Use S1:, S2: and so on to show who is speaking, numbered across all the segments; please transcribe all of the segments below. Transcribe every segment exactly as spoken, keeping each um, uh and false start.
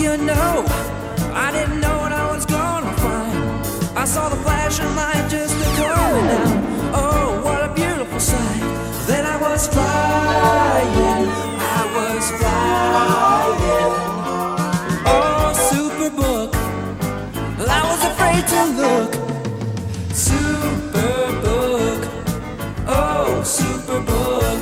S1: you know, I didn't know what I was gonna find. I saw the flashing light just a coming down. Oh, what a beautiful sight. Then I was flying, I was flying. Oh, Superbook, I was afraid to look. Superbook, oh, Superbook.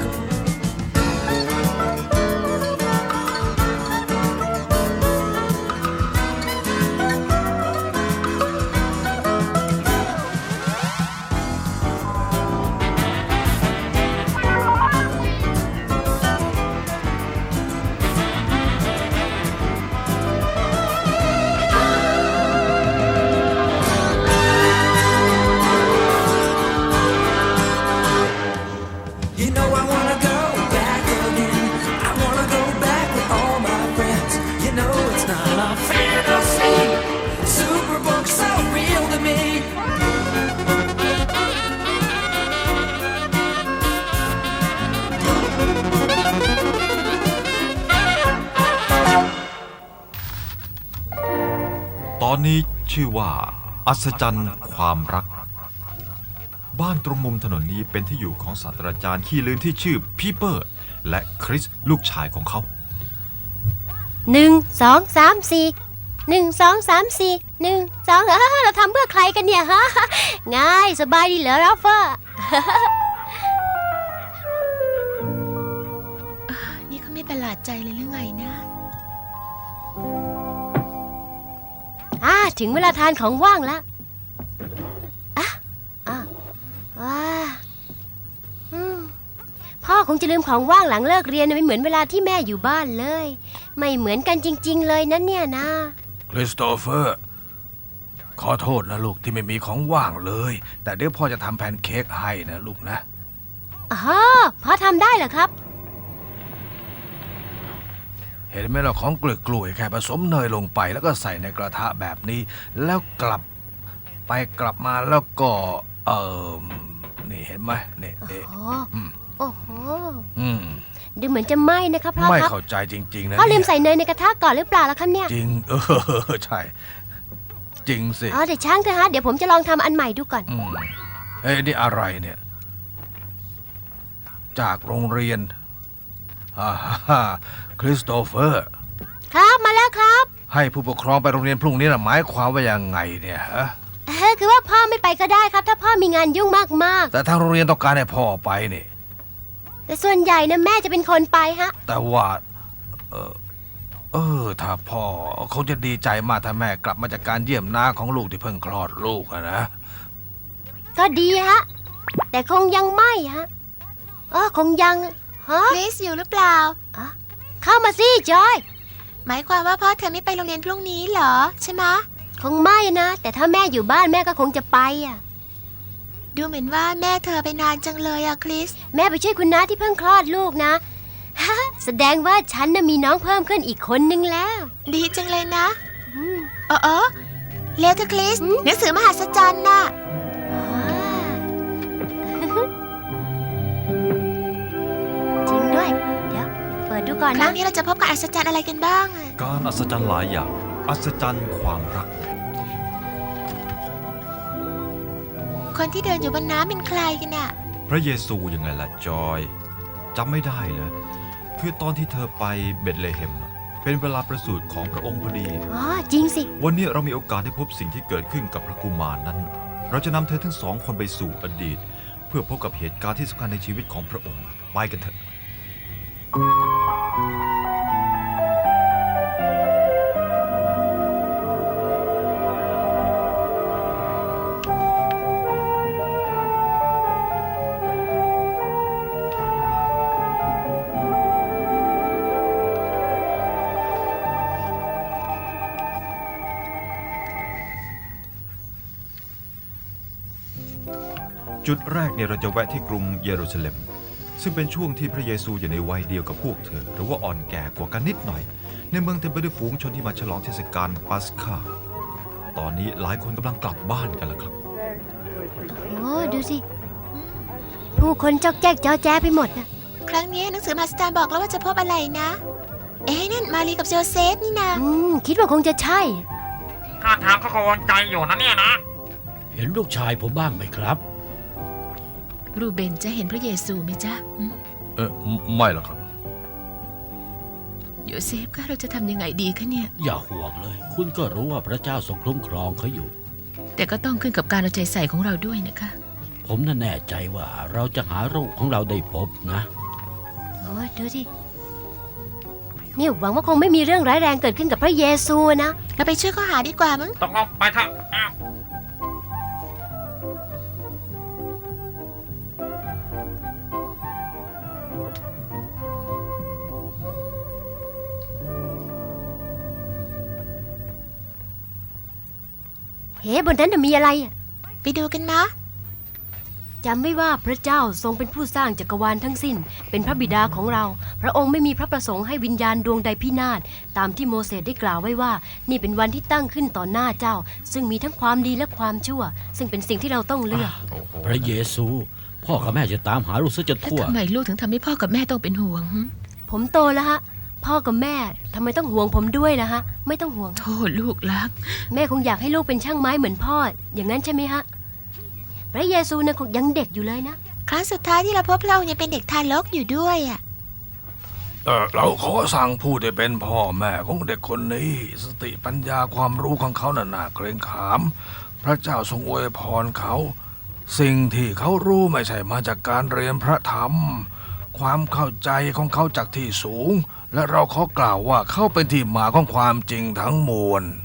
S2: ตอนนี้ชื่อว่าอัศจรรย์ความรักบ้านตรงมุมถนนนี้เป็นที่อยู่ของศาสตราจารย์ขี้ลืมที่ชื่อพีเปอร์และคริสลูกชายของเขา
S3: หนึ่งสองสามสี่หนึ่งสองสามสี่หนึ่งสองเราทำเพื่อใครกันเนี่ยฮะง่ายสบายดีเหรอราฟเฟอร์
S4: นี่เขาไม่ประหลาดใจเลยหรือไงนะ
S3: อ่าถึงเวลาทานของว่างแล้วอ่ะอ่ะอ่าอืมพ่อคงจะลืมของว่างหลังเลิกเรียนไม่เหมือนเวลาที่แม่อยู่บ้านเลยไม่เหมือนกันจริงๆเลยนั่นเนี่ยนะ
S5: คริสโตเฟอร์ขอโทษนะลูกที่ไม่มีของว่างเลยแต่เดี๋ยวพ่อจะทำแพนเค้กให้นะลูกนะ
S3: อ๋อพ่อทำได้เหรอครับ
S5: เห็นไหมเราของกล้วยๆแค่ผสมเนยลงไปแล้วก็ใส่ในกระทะแบบนี้แล้วกลับไปกลับมาแล้วก็เออนี่เห็นไหมนี่เอ๊ะ
S3: โอ้โห
S5: อืม
S3: ดูเหมือนจะไหม้นะครับพ่อครับ
S5: ไม่เข้าใจจริงๆนะ
S3: พ่อลืมใส่เนยในกระทะก่อนหรือเปล่าล่ะครับเนี่ย
S5: จริงเออใช่จริงสิ
S3: อ๋อเดี๋ยวช่างเถอะฮะเดี๋ยวผมจะลองทำอันใหม่ดูก่อน
S5: อืมเอ้ยนี่อะไรเนี่ยจากโรงเรียนฮ่าฮ่าคริสโตเฟอร์
S3: ครับมาแล้วครับ
S5: ให้ผู้ปกครองไปโรงเรียนพรุ่งนี้น่ะหมายความว่ายังไงเนี่ยฮะ
S3: เออคือว่าพ่อไม่ไปก็ได้ครับถ้าพ่อมีงานยุ่งมากๆ
S5: แต่ทางโรงเรียนต้องการให้พ่อไปนี่
S3: แต่ส่วนใหญ่นะแม่จะเป็นคนไปฮะ
S5: แต่ว่าเออเออถ้าพ่อเขาจะดีใจมากถ้าแม่กลับมาจากการเยี่ยมน้าของลูกที่เพิ่งคลอดลูกนะ
S3: ก็ดีฮะแต่คงยังไม่ฮะเออคงยังฮะ
S4: คริสอยู่หรือเปล่า
S3: อ่ะเข้ามาสิจอย
S4: หมายความว่าพ่อเธอไม่ไปโรงเรียนพรุ่งนี้เหรอใช่ไหม
S3: คงไม่นะแต่ถ้าแม่อยู่บ้านแม่ก็คงจะไปอ่ะ
S4: ดูเหมือนว่าแม่เธอไปนานจังเลยอะคริส
S3: แม่ไปช่วยคุณน้าที่เพิ่งคลอดลูกนะฮะแสดงว่าฉันน่ะมีน้องเพิ่มขึ้นอีกคนนึงแล้ว
S4: ดีจังเลยนะเออเออเลวเธอคริสหนังสือมหัศจรรย์น่ะ
S3: จริงด้วยเดี๋ยวเปิดดูก่อนนะ
S4: ครั้งนี้เราจะพบกับอัศจรรย์อะไรกันบ้าง
S2: การอัศจรรย์หลายอย่างอัศจรรย์ความรัก
S4: คนที่เดินอยู่บนน้ำเป็นใครกันน่ะ
S2: พระเยซูยังไงล่ะจอยจำไม่ได้เลยคือตอนที่เธอไปเบธเลเฮมเป็นเวลาประสูติของพระองค์พอดี
S3: อ๋อจริงสิ
S2: วันนี้เรามีโอกาสได้พบสิ่งที่เกิดขึ้นกับพระกุมารนั้นเราจะนำเธอทั้งสองคนไปสู่อดีตเพื่อพบกับเหตุการณ์ที่สำคัญในชีวิตของพระองค์ไปกันเถอะจุดแรกเนี่ยเราจะแวะที่กรุงเยรูซาเล็มซึ่งเป็นช่วงที่พระเยซูอยู่ในวัยเดียวกับพวกเธอหรือว่าอ่อนแก่กว่ากันนิดหน่อยในเมืองเต็มไปด้วยฝูงชนที่มาฉลองเทศกาลปัสกาตอนนี้หลายคนกำลังกลับบ้านกันแล้วครับ
S3: โอ้ดูสิผู้คนจอกแจ๊กจ้อแจ๊ไปหมดนะ
S4: ครั้งนี้หนังสือมหัศจรรย์บอกแล้วว่าจะพบอะไรนะเอ๊ะนั่นมารีกับโจเซฟนี่นา
S3: อืม คิดว่าคงจะใช่
S6: ท่าทางเขากังวลใจอยู่นะเนี่ยนะ
S7: เห็นลูกชายผมบ้างไหมครับ
S4: รูเบนจะเห็นพระเยซูไหมจ๊ะอืม
S5: เออไม่หรอกครับ
S4: โยเซฟคะเราจะทำยังไงดีคะเนี่ย
S7: อย่าห่วงเลย คุณก็รู้ว่าพระเจ้าทรงคุ้มครองเขาอยู่
S4: แต่ก็ต้องขึ้นกับการเอาใจใส่ของเราด้วยนะคะ
S7: ผมน่ะแน่ใจว่าเราจะหาลูกของเราได้พบนะ
S3: โอ้ยดูสินี่หวังว่าคงไม่มีเรื่องร้ายแรงเกิดขึ้นกับพระเยซูนะ
S4: เราไปช่วยเขาหาดีกว่ามั้ง
S6: ตกลงไปเถอะอ้าว
S3: เฮ้บนนั้นน่ะมีอะไรอะ
S4: ไปดูกันนะ
S3: จำไม่ว่าพระเจ้าทรงเป็นผู้สร้างจักรวาลทั้งสิ้น เป็นพระบิดาของเรา พระองค์ไม่มีพระประสงค์ให้วิญญาณดวงใดพินาศตามที่โมเสสได้กล่าวไว้ว่า นี่เป็นวันที่ตั้งขึ้นต่อหน้าเจ้า ซึ่งมีทั้งความดีและความชั่ว ซึ่งเป็นสิ่งที่เราต้องเลือก
S7: พระเยซู พ่อกับแม่จะตามหาลูกซะจน
S4: แล้ว
S7: ทั่ว
S4: ทำไมลูกถึงทำให้พ่อกับแม่ต้องเป็นห่วงหึ
S3: ผมโตแล้วฮะ พ่อกับแม่ทำไมต้องห่วงผมด้วยล่ะฮะ ไม่ต้องห่วง
S4: โธ่ลูกรัก
S3: แม่คงอยากให้ลูกเป็นช่างไม้เหมือนพ่อ อย่างนั้นใช่ไหมฮะ พระเยซูนะคงยังเด็กอยู่เลยนะ
S4: ครั้งสุดท้ายที่เราพบพระองค์ยังเป็นเด็กทารกอยู่ด้วยอ่ะ
S5: เออเราขอสั่งผู้ที่เป็นพ่อแม่ของเด็กคนนี้ สติปัญญาความรู้ของเขาน่ะน่าเกรงขาม พระเจ้าทรงอวยพรเขา สิ่งที่เขารู้ไม่ใช่มาจากการเรียนพระธรรม ความเข้าใจของเขาจากที่สูง และเราขอกล่าวว่าเขาเป็นที่มาของความจริงทั้งมวล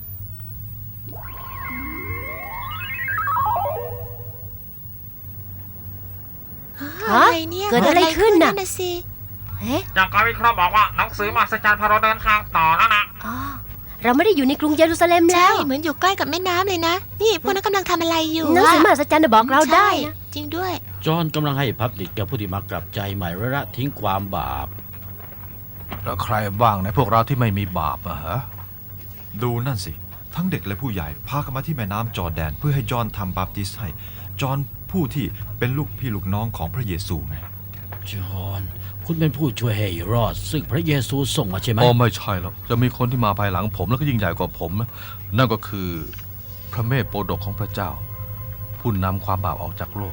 S3: ฮะ
S4: อะไรเนี่ย
S3: เกิดอะไรขึ้นน่ะ
S4: น่ะสิ
S3: เฮ้
S6: จากการวิเคราะห์บอกว่าหนังสือมหัศจรรย์พาเราเดินทางต่อแล้วนะ
S3: อ๋อเราไม่ได้อยู่ในกรุงเยรูซาเล็มแล้
S4: ใช่
S3: ว
S4: เหมือนอยู่ใกล้กับแม่น้ำเลยนะ นี่พวกนั้นกำลังทำอะไรอยู่
S3: หนังสือมหัศจรรย์น่ะบอกเราได้
S4: ใช่
S3: นะ
S4: จริงด้วย
S7: จอห์นกำลังให้พับดิกกับผู้ที่มากลับใจใหม่และละทิ้งความบาป
S5: แล้วใครบ้างในพวกเราที่ไม่มีบาปอะฮะ
S2: ดูนั่นสิ ทั้งเด็กและผู้ใหญ่พากันมาที่แม่น้ำจอร์แดน เพื่อให้จอห์นทำบาปติสต์ให้ จอห์นผู้ที่เป็นลูกพี่ลูกน้องของพระเยซูไง
S7: จอห์น คุณเป็นผู้ช่วยให้รอด ซึ่งพระเยซูส่งมาใช่ไหม
S5: อ๋อไม่ใช่หรอกจะมีคนที่มาภายหลังผมแล้วก็ยิ่งใหญ่กว่าผมนะนั่นก็คือพระเมธโปรดกของพระเจ้า ผู้นำความบาปออกจากโลก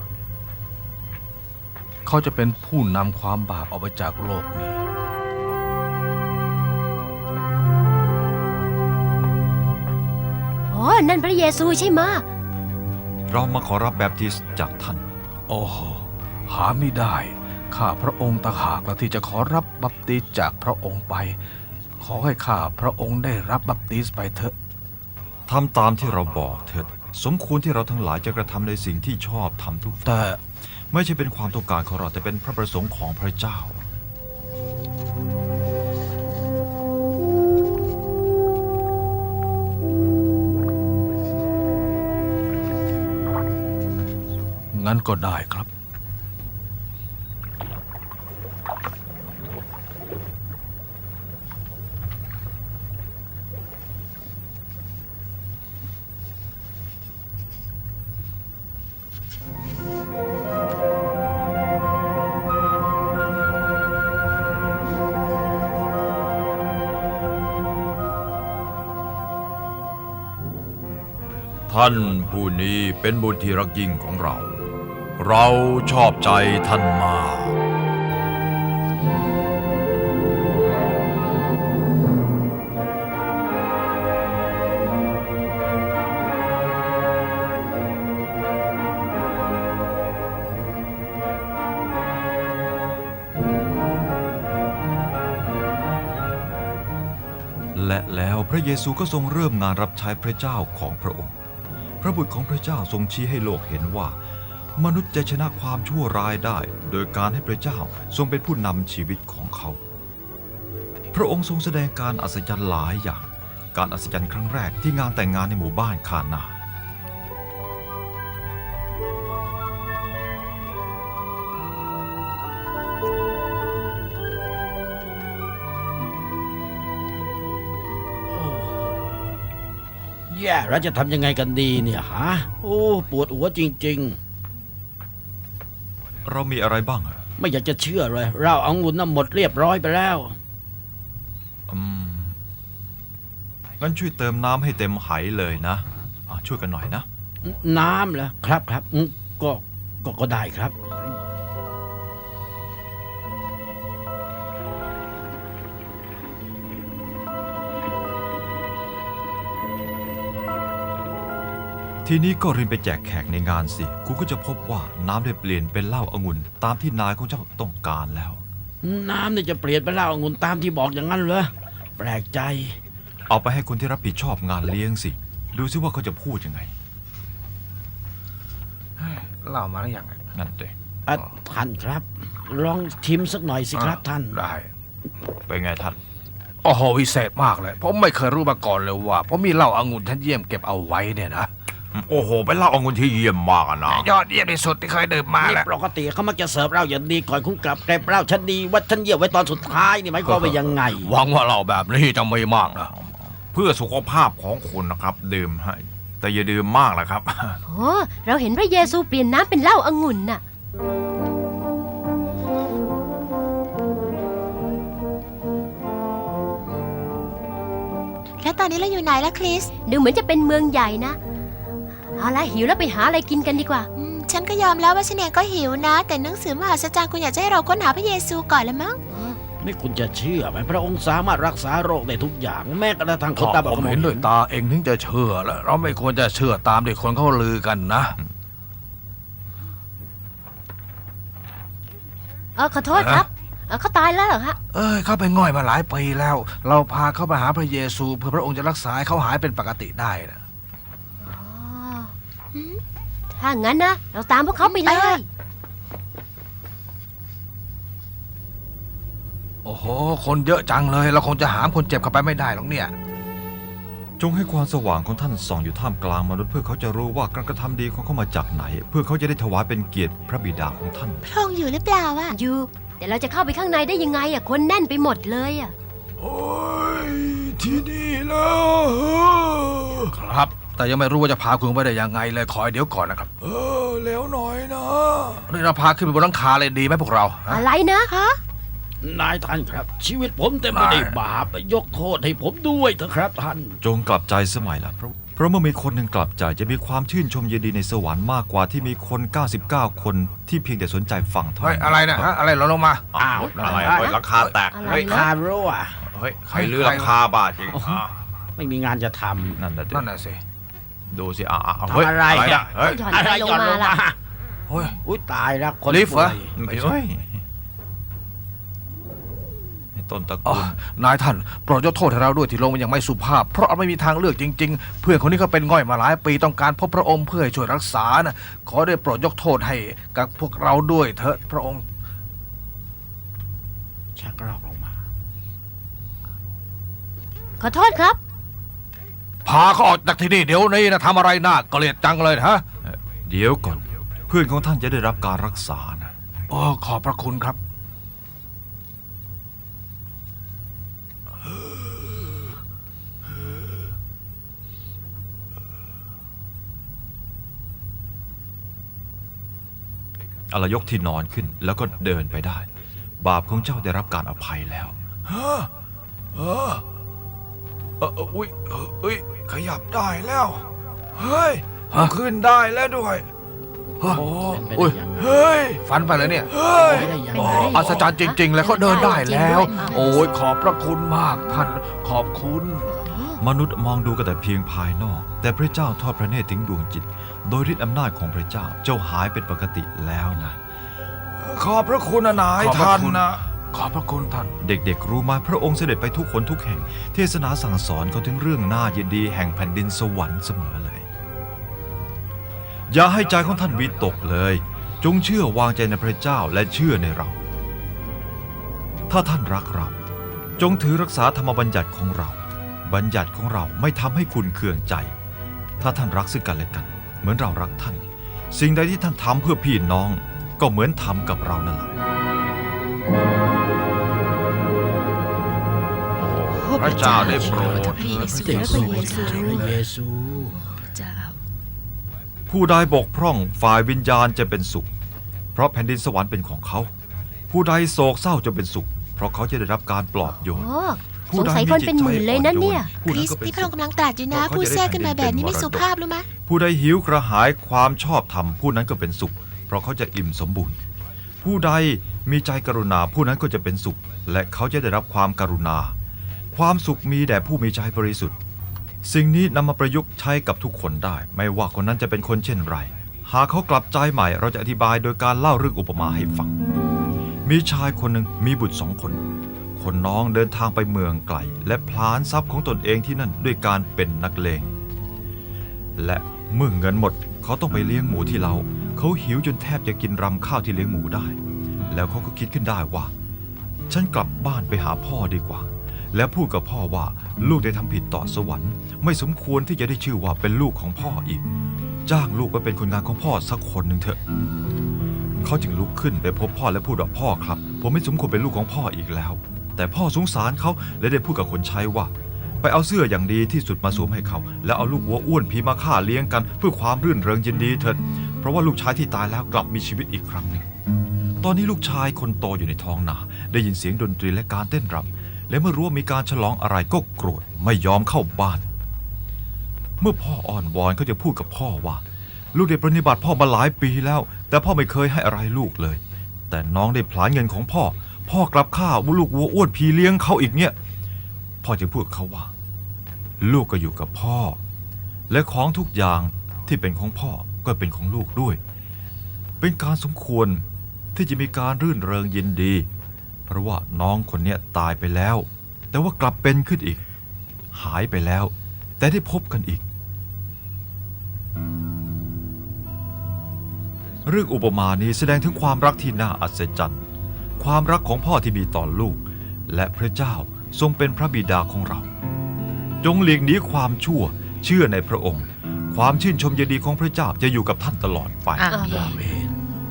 S5: เขาจะเป็นผู้นำความบาปออกไปจากโลกนี้
S3: โอ้นั่นพระเยซูใช่ไหมะ
S2: เรามาขอรับแบปติสต์จากท่าน
S5: โอ้โหหาไม่ได้ ข้าพระองค์ต่างหากละที่จะขอรับบัพติศม์จากพระองค์ไป ขอให้ข้าพระองค์ได้รับบัพติศม์ไปเถอะ
S2: ทำตามที่เราบอกเถิด สมควรที่เราทั้งหลายจะกระทำในสิ่งที่ชอบทำทุก
S5: แต่
S2: ไม่ใช่เป็นความต้องการของเราแต่เป็นพระประสงค์ของพระเจ้า
S5: งั้นก็ได้ครับ
S2: ท่านผู้นี้เป็นบุตรที่รักยิ่งของเรา เราชอบใจท่านมาก และแล้วพระเยซูก็ทรงเริ่มงานรับใช้พระเจ้าของพระองค์ พระบุตรของพระเจ้าทรงชี้ให้โลกเห็นว่า มนุษย์จะชนะความชั่วร้ายได้ โดยการให้พระเจ้าทรงเป็นผู้นำชีวิตของเขา พระองค์ทรงแสดงการอัศจรรย์หลายอย่าง การอัศจรรย์ครั้งแรกที่งานแต่งงานในหมู่บ้านคานา
S7: แย่เราจะทำยังไงกันดีเนี่ยฮะ โอ้ ปวดหัวจริง
S2: เรามีอะไรบ้างอะ
S7: ๆ ไม่อยากจะเชื่อเลย เราเอางุ่นน่ะหมดเรียบร้อยไปแล้ว
S2: อืมงั้นช่วยเติมน้ำให้เต็มไหเลยนะอ่ะช่วยกันหน่อยนะ
S7: น้ำเหรอครับครับอืมก็ก็ก็ได้ครับ
S2: ทีนี้ก็รินไปแจกแขกในงานสิ คุณก็จะพบว่าน้ำได้เปลี่ยนเป็นเหล้าองุ่นตามที่นายของเจ้าต้องการแล้ว
S7: น้ำนี่จะเปลี่ยนเป็นเหล้าองุ่นตามที่บอกอย่างนั้นเหรอแปลกใจ
S2: เอาไปให้คนที่รับผิดชอบงานเลี้ยงสิ ดูซิว่าเขาจะพูดยังไง
S5: เล่ามาหรือยัง
S2: นั่นเอง
S7: อ่ะท่านครับ ลองชิมสักหน่อยสิครับท่าน
S5: ได้
S2: เป็นไงท่าน
S5: โอ้โหวิเศษมากเลยผมไม่เคยรู้มาก่อนเลยว่าผมมีเหล้าองุ่นชั้นเยี่ยมเก็บเอาไว้เนี่ยนะ
S2: โอ้โห เป็นเหล้าองุ่นที่เยี่ยมมากอะนะ
S5: ยอดเยี่ยมที่สุดที่เคยดื่มมา
S7: นี่
S5: แหละ
S7: ปกติเขามักจะเสิร์ฟเหล้าอย่างดีก่อนคุณกลับเก็บเหล้าชั้นดีไว่าชั้นเยี่ยมไว้ตอนสุดท้ายนี่หมายความว่ายังไง
S5: หวังว่าเหล้าแบบนี้จะไม่มากนะ
S2: เพื่อสุขภาพของคุณนะครับ ดื่มให้แต่อย่าดื่มมากนะครับ
S3: โอ้เราเห็นพระเยซูเปลี่ยนน้ำเป็นเหล้าองุ่นน่ะ
S4: แล้วตอนนี้เราอยู่ไหนล่ะคริส
S3: ดูเหมือนจะเป็นเมืองใหญ่นะ เอาละหิวแล้วไปหาอะไรกินกันดีกว่า
S4: อืมฉันก็ยอมแล้วว่าฉันเองก็หิวนะ แต่หนังสือมหาสจรรย์คุณอยากจะให้เราค้นหาพระเยซูก่อนละมั้ง
S7: ไม่คุณจะเชื่อไหมพระองค์สามารถรักษาโรคได้ทุกอย่างแม้กระทั่งคนตาบอด
S5: ผมเห็นด้วยตาเองถึงจะเชื่อแล้วเราไม่ควรจะเชื่อตามที่คนเขาลือกันนะ
S3: เออขอโทษครับเออเขาตายแล้วเหรอฮะ
S5: เอ้ยเขาไปง่อยมาหลายปีแล้ว เราพาเขาไปหาพระเยซูเพื่อพระองค์จะรักษาให้เขาหายเป็นปกติได้นะ
S3: อ๋อถ้างั้นนะ เราตามพวกเขาไปเลย
S5: โอ้โหคนเยอะจังเลยเราคงจะหามคนเจ็บเข้าไปไม่ได้หรอกเนี่ย
S2: จงให้ความสว่างของท่านส่องอยู่ท่ามกลางมนุษย์เพื่อเขาจะรู้ว่าการกระทำดีของเขามาจากไหน เพื่อเขาจะได้ถวายเป็นเกียรติพระบิดาของท่าน
S4: พระองค์อยู่หรือเปล่าอะ
S3: อยู่ แต่เราจะเข้าไปข้างในได้ยังไงอ่ะ คนแน่นไปหมดเลยอ่ะ
S5: โอ้ยที่นี่แล้วครับ แต่ยังไม่รู้ว่าจะพาคุณไปได้ยังไงเลยคอยเดี๋ยวก่อนนะครับ เออเร็วหน่อยนะนี่เราพาขึ้นไปบนหลังคาเลยดีไหมพวกเราฮะ
S3: อะไรนะ
S4: ฮะ
S7: นายท่านครับ ชีวิตผมเต็มไปด้วยบาปยกโทษให้ผมด้วยเถอะครับท่าน
S2: จงกลับใจสมัยละเพราะเพราะเมื่อมีคนหนึ่งกลับใจจะมีความชื่นชมยินดีในสวรรค์มากกว่าที่มีคน เก้าสิบเก้า คนที่เพียงแต่สนใจฟังเท่า
S5: เฮ้ย
S2: นั้น
S5: อะไรนะฮะอะไรหล่นลงมา
S7: อ้าว
S2: อะไร
S7: อะไร
S2: เฮ้ยราคาแตก
S3: อะไร
S2: เฮ้ย
S3: นะ
S7: คาโร่อะ
S2: เฮ้ยใครลือราคาบาทจริงอ่ะ
S7: ไม่มีงานจะท
S2: นั่นน่ะดิ
S5: นั่นน่ะสิ
S2: ดูสิอ่ะอ่ะ
S7: ำ
S2: เฮ้ย
S7: ทำอะไร
S2: อ่ะเฮ้ย
S3: หย่อน
S7: อะ
S3: อะไร ไรลงมาล่ะ
S5: เฮ้ย
S7: อุ้ยตายแล้วคน
S5: ลิฟต์เหรอ
S7: ป่วย
S2: เฮ้ยต้นตระ
S5: อ๋อ
S2: กูล
S5: นายท่านโปรดยกโทษให้เราด้วยที่ลงมาอย่างไม่สุภาพ เพราะเราไม่มีทางเลือกจริง ๆ เพื่อนคนนี้ก็เป็นง่อยมาหลายปีต้องการพบพระองค์เพื่อให้ช่วยรักษานะขอได้โปรดยกโทษให้กับพวกเราด้วยเถอะพระองค์
S7: ชักรอกลงมา
S3: ขอโทษครับ
S5: พาเขาออกจากที่นี่เดี๋ยวนี้นะทำอะไรน่าเกลียดจังเลยนะฮะ
S2: เดี๋ยวก่อน เพื่อนของท่านจะได้รับการรักษานะ
S5: โอ้ขอบพระคุณครับ
S2: อลยกที่นอนขึ้นแล้วก็เดินไปได้ บาปของเจ้าได้รับการอภัยแล้ว
S5: เออเออเอออุ้ยเออเอ้ยขยับได้แล้ว เฮ้ยขึ้นได้แล้วด้วยโอ้
S7: เป็นไป
S5: อุ้ย
S7: ได้ยังไง
S5: เฮ้ยฟันไปเลยเนี่ย เฮ้ย
S7: ไม่ได้ยัง
S3: เป็น
S7: ไง
S3: ไปได้ยังไง
S5: อัศจรรย์จริง ๆ เลยเขาเดินได้แล้ว
S3: จริงด้วย
S5: โอ้ยขอบพระคุณมากท่านขอบคุณ
S2: มนุษย์มองดูกันแต่เพียงภายนอก แต่พระเจ้าทอดพระเนตรถึงดวงจิต โดยฤทธิอำนาจของพระเจ้าเจ้าหายเป็นปกติแล้วนะ
S5: ขอบพระคุณนายท่านนะขอบพระคุณท่าน
S2: เด็กๆรู้มาพระองค์เสด็จไปทุกคนทุกแห่ง เทศนาสั่งสอนเขาถึงเรื่องน่ายินดีแห่งแผ่นดินสวรรค์เสมอเลย อย่าให้ใจของท่านวิตกเลย จงเชื่อวางใจในพระเจ้าและเชื่อในเรา ถ้าท่านรักเรา จงถือรักษาธรรมบัญญัติของเรา บัญญัติของเราไม่ทำให้คุณเคืองใจ ถ้าท่านรักซึ่งกันและกัน เหมือนเรารักท่าน สิ่งใดที่ท่านทำเพื่อพี่น้อง ก็เหมือนทำกับเรานั่นแหละ
S5: พระเจ้าได้โปรด
S3: พระเยซู
S7: พระเยซูพระเยซู
S2: ผู้ใดบกพร่องฝ่ายวิญญาณจะเป็นสุข เพราะแผ่นดินสวรรค์เป็นของเขา ผู้ใดโศกเศร้าจะเป็นสุข เพราะเขาจะได้รับการปลอบโยน
S3: โอ้
S2: ผู้
S3: สง
S2: ใด
S3: สัย
S2: มี
S3: คน
S2: จิต
S3: เป็น
S2: ใจ
S3: หมื่นเลยนะเนี่ย
S2: อ่อนโยผู้
S4: คริ
S2: นั้น
S4: ส
S2: ก็เป็น
S4: ที่พระองค์
S2: สุข
S4: กำลังตรัสอยู่นะ
S2: เพราะเขา
S4: พูด
S2: จะได้
S4: แทรกขึ้นมาแบบนี้ไม่สุภาพรู้ไหม
S2: ผู้ใดหิวกระหายความชอบธรรมผู้นั้นก็เป็นสุข เพราะเขาจะอิ่มสมบูรณ์ ผู้ใดมีใจกรุณาผู้นั้นก็จะเป็นสุข และเขาจะได้รับความกรุณา ความสุขมีแด่ผู้มีใจบริสุทธิ์ สิ่งนี้นำมาประยุกต์ใช้กับทุกคนได้ ไม่ว่าคนนั้นจะเป็นคนเช่นไร หากเขากลับใจใหม่เราจะอธิบายโดยการเล่าเรื่องอุปมาให้ฟัง มีชายคนหนึ่งมีบุตรสองคน คนน้องเดินทางไปเมืองไกลและพลานทรัพย์ของตนเองที่นั่นด้วยการเป็นนักเลง และเมื่อเงินหมดเขาต้องไปเลี้ยงหมูที่เล้าเขาหิวจนแทบจะกินรำข้าวที่เลี้ยงหมูได้ แล้วเขาก็คิดขึ้นได้ว่า ฉันกลับบ้านไปหาพ่อดีกว่า และพูดกับพ่อว่าลูกได้ทำผิดต่อสวรรค์ไม่สมควรที่จะได้ชื่อว่าเป็นลูกของพ่ออีก จ้างลูกไปเป็นคนงานของพ่อสักคนหนึ่งเถอะเขาจึงลุกขึ้นไปพบพ่อและพูดว่าพ่อครับผมไม่สมควรเป็นลูกของพ่ออีกแล้ว แต่พ่อสงสารเขาและได้พูดกับคนใช้ว่า ไปเอาเสื้ออย่างดีที่สุดมาสวมให้เขาแล้วเอาลูกวัวอ้วนผีมาฆ่าเลี้ยงกันเพื่อความรื่นเริงยินดีเถิดเพราะว่าลูกชายที่ตายแล้วกลับมีชีวิตอีกครั้งหนึ่งตอนนี้ลูกชายคนโตอยู่ในท้องนาได้ยินเสียงดนตรีและการเต้นรำและเมื่อรู้ว่ามีการฉลองอะไรก็โกรธไม่ยอมเข้าบ้าน เมื่อพ่ออ่อนวอนเขาจะพูดกับพ่อว่า ลูกได้ปฏิบัติพ่อมาหลายปีแล้ว แต่พ่อไม่เคยให้อะไรลูกเลย แต่น้องได้ผลาญเงินของพ่อ พ่อกลับฆ่าลูกวัวอ้วนผีเลี้ยงเขาอีกเนี่ยพ่อจึงพูดกับเขาว่า ลูกก็อยู่กับพ่อ และของทุกอย่างที่เป็นของพ่อก็เป็นของลูกด้วย เป็นการสมควรที่จะมีการรื่นเริงยินดี เพราะว่าน้องคนเนี้ยตายไปแล้ว แต่ว่ากลับเป็นขึ้นอีก หายไปแล้ว แต่ได้พบกันอีก เรื่องอุปมานี้แสดงถึงความรักที่น่าอัศจรรย์ความรักของพ่อที่มีต่อลูก และพระเจ้าทรงเป็นพระบิดาของเรา จงหลีกหนีความชั่วเชื่อในพระองค์ ความชื่นชมยินดีของพระเจ้าจะอยู่กับท่านตลอดไป
S4: อ่ะ
S7: อาเมน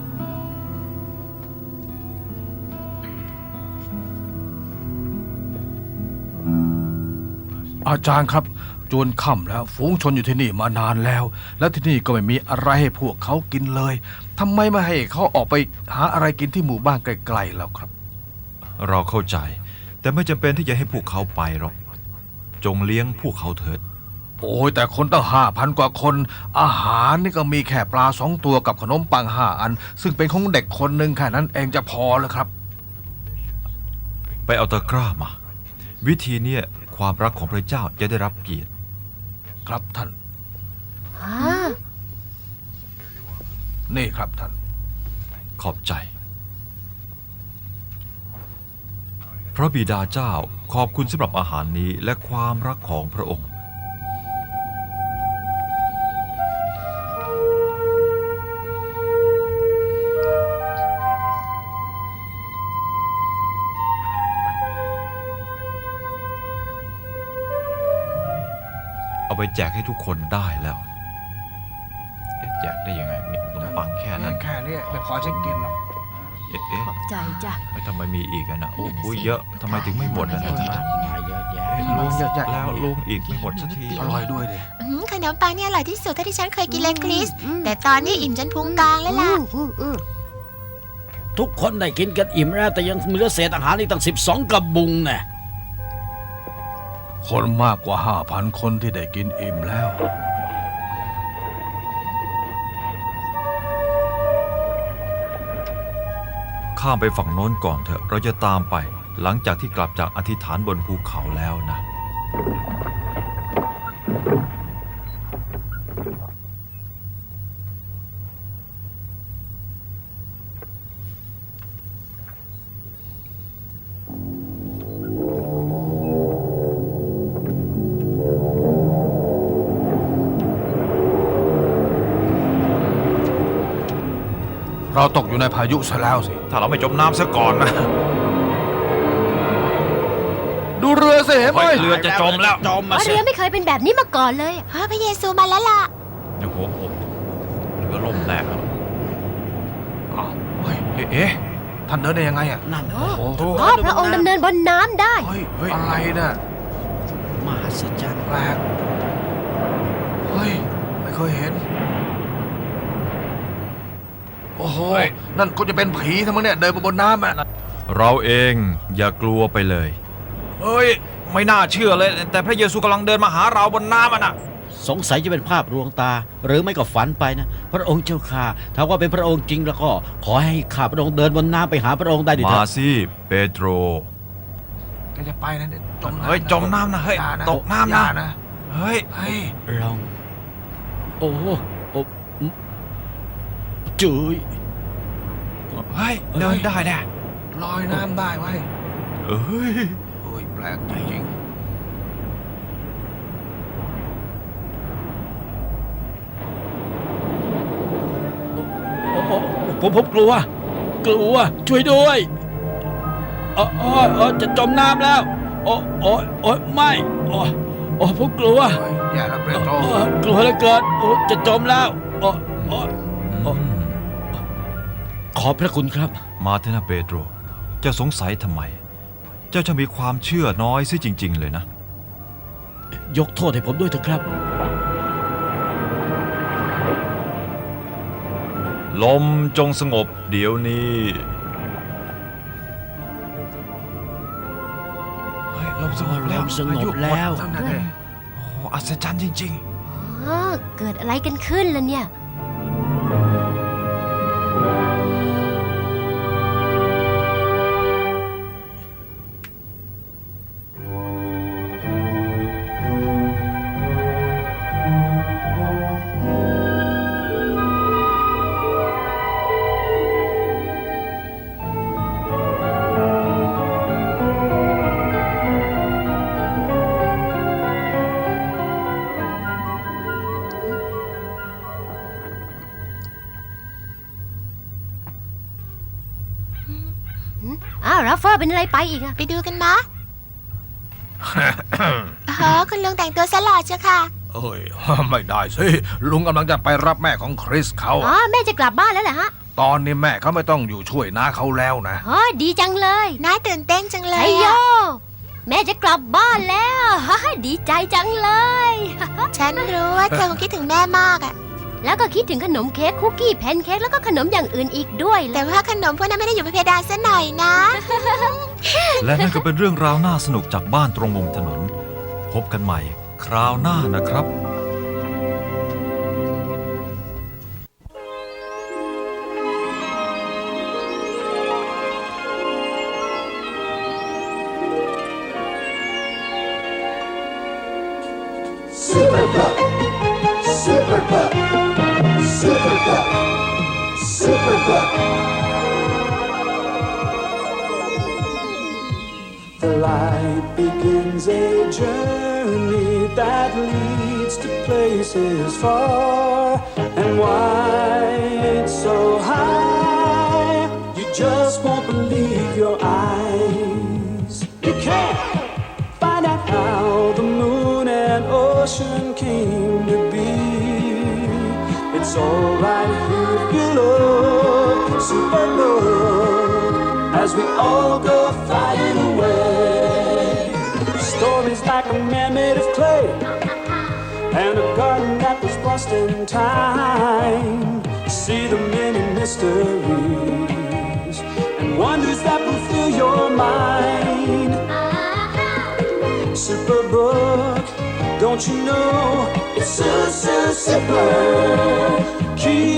S5: อาจารย์ครับจวนค่ำแล้วฝูงชนอยู่ที่นี่มานานแล้ว และที่นี่ก็ไม่มีอะไรให้พวกเขากินเลยทำไมไม่ให้เขาออกไปหาอะไรกินที่หมู่บ้านใกล้ๆแล้วครับ
S2: เราเข้าใจ แต่ไม่จำเป็นที่จะให้พวกเขาไปหรอกจงเลี้ยงพวกเขาเถิด
S5: โอ้ยแต่คนตั้งห้าพันกว่าคน อาหารนี่ก็มีแค่ปลาสองตัวกับขนมปังห้าอัน ซึ่งเป็นของเด็กคนหนึ่งแค่นั้นเองจะพอแล้วครับ
S2: ไปเอาตะกร้ามา วิธีเนี้ยความรักของพระเจ้าจะได้รับเกียรติ
S5: ครับท่าน
S3: อ่า
S5: นี่ครับท่าน
S2: ขอบใจ พระบิดาเจ้าขอบคุณสำหรับอาหารนี้และความรักของพระองค์ เอาไปแจกให้ทุกคนได้แล้วเอ๊ะแจกได้ยังไงมีขนมปังแค่นั้น
S5: แค่นี้ไม่พอฉันกินหรอก
S2: เอ๊ะเอ๊ะ
S3: ขอบใจจ้ะ
S2: เอ๊ะทำไมมีอีกอะนะโอ้โหเยอะทำไมถึงไม่หมดอะนะ
S7: มากมายเยอะแยะ
S2: เอ๊ะลุงเยอะแล้วลุงอีกไม่หมดสักที
S5: อร่อยด้วยดิ
S4: อืมขนมปังเนี่ยอร่อยที่สุดเท่าที่ฉันเคยกินเลยคริส แต่ตอนนี้อิ่มจนพุงกลางแล้วล่ะ
S3: อืมอืมอืม
S7: ทุกคนได้กินกันอิ่มแล้วแต่ยังมีเหลือเศษอาหารอีกตั้งสิบสองกระบุงแน่
S5: คนมากกว่าห้าพันคนที่ได้กินอิ่มแล้ว
S2: ข้ามไปฝั่งโน้นก่อนเถอะเราจะตามไปหลังจากที่กลับจากอธิษฐานบนภูเขาแล้วนะ
S5: เราตกอยู่ในพายุซะแล้วสิ
S2: ถ้าเราไม่จมน้ำซะก่อนนะ
S5: ดูเรือสิเห็นไหม
S2: เฮ้ยเรือจะจมแล้ว
S7: จมมา
S3: ว่า
S7: สิ
S3: เรือไม่เคยเป็นแบบนี้มาก่อนเลยอะ
S4: เฮ้ยพระเยซูมาแล้วล่ะ
S2: โอ้โหเรือล่มแน่แล้ว
S5: อ้าวเฮ้ยเอ๊ะเอ๊ะท่านเดินได้ยังไงอ่ะ
S7: นั่น
S5: โอ้โห
S3: อ๋อพระองค์ดำเนินบนน้ำได้
S5: เฮ้ยเฮ้ยอะไรน่ะ
S7: มหัศจรรย์
S5: แปลกเฮ้ยไม่เคยเห็น โอ้โหนั่นก็จะเป็นผีทั้งมั้งเนี่ยเดินมาบนน้ำอ่ะ
S2: เราเองอย่ากลัวไปเลย
S5: เฮ้ย
S2: ไม่น่าเชื่อเลย แต่พระเยซูกำลังเดินมาหาเราบนน้ำอ่ะนะ
S7: สงสัยจะเป็นภาพลวงตา หรือไม่ก็ฝันไปนะ พระองค์เจ้าข้าถ้าว่าเป็นพระองค์จริงแล้วก็ขอให้ข้าพระองค์เดินบนน้ำไปหาพระองค์ได้ดิเถ
S2: มา
S7: อะ
S2: สิเปโตร
S5: แกจะไปนะเนี่ยจมน้ำ
S2: เฮ้ยจมน้ำนะเฮ้ย
S5: อย่า
S2: ตกน้ำ
S5: อย่า
S2: นะ เฮ้ย
S5: เฮ้ย
S7: ลองโอ้โหโอ้จุย
S2: เฮ้ยเดินได้แน่
S5: ลอยน้ำได้ไว้ย
S2: เอ้ย
S5: โอ้ยแปลกจริง
S7: โอ้โหผมผมกลัว กลัว ช่วยด้วยเออเออเออจะจมน้ำแล้ว โอ้โอ้โอ้ไม่โอ้โอ้ผมกลัว
S5: เฮ้ยอย่าละเปโตร
S7: โอ้กลัวเหลือเกินโอ้จะจมแล้วโอ้โอ้โอ้ขอบพระคุณครับ
S2: มาเถอะนะเปโตร เจ้าสงสัยทำไม เจ้าจะมีความเชื่อน้อยซิจริง ๆ เลยนะ
S7: ยกโทษให้ผมด้วยเถอะครับ
S2: ลมจงสงบเดี๋ยวนี้ เฮ้ยลมสงบแล้ว
S7: ลมสงบแล้ว
S5: นั่นน่ะดิ
S2: โอ้อัศจรรย์จริง
S3: อ๋อเกิดอะไรกันขึ้นล่ะเนี่ย อ้าวราฟเฟอร์เป็นอะไรไปอีกอะ
S4: ไปดูกันมะ อ๋อคุณลุงแต่งตัวสลอดเจ้าค่ะ
S5: เอ้ย ไม่ได้สิ ลุงกำลังจะไปรับแม่ของคริสเขา
S3: อ๋อแม่จะกลับบ้านแล้วเหรอฮะ
S5: ตอนนี้แม่เขาไม่ต้องอยู่ช่วยน้าเขาแล้วนะ
S3: อ๋อดีจังเลย
S4: น่าตื่นเต้นจังเล
S3: ชั
S4: ย
S3: ยโย
S4: อะ
S3: แม่จะกลับบ้านแล้ว ดีใจจังเลย
S4: ฉันรู้ว่าเธอคงคิดถึงแม่มากอะ
S3: แล้วก็คิดถึงขนมเค้กคุกกี้แพนเค้กแล้วก็ขนมอย่างอื่นอีกด้วยแห
S4: แต่
S3: ละ
S4: ว่าขนมพวกนั้นไม่ได้อยู่บนเพดานซะหน่อยนะ
S2: ๆ และนั่นก็เป็นเรื่องราวน่าสนุกจากบ้านตรงมุมถนน พบกันใหม่คราวหน้านะครับ
S8: Super Pup, Super Pup, Super Pup, Super Pup. The light begins a journey that leads to places far and wide, so high you just won't believe your eyes. You can't find out how the moon and ocean came to be. It's all right here if you look, super look, as we all go flying away. Stories like a man made of clay and a garden that was lost in time. See the many mysteries and wonders that will fill your mind. Superbook, don't you know it's so, so super? Keep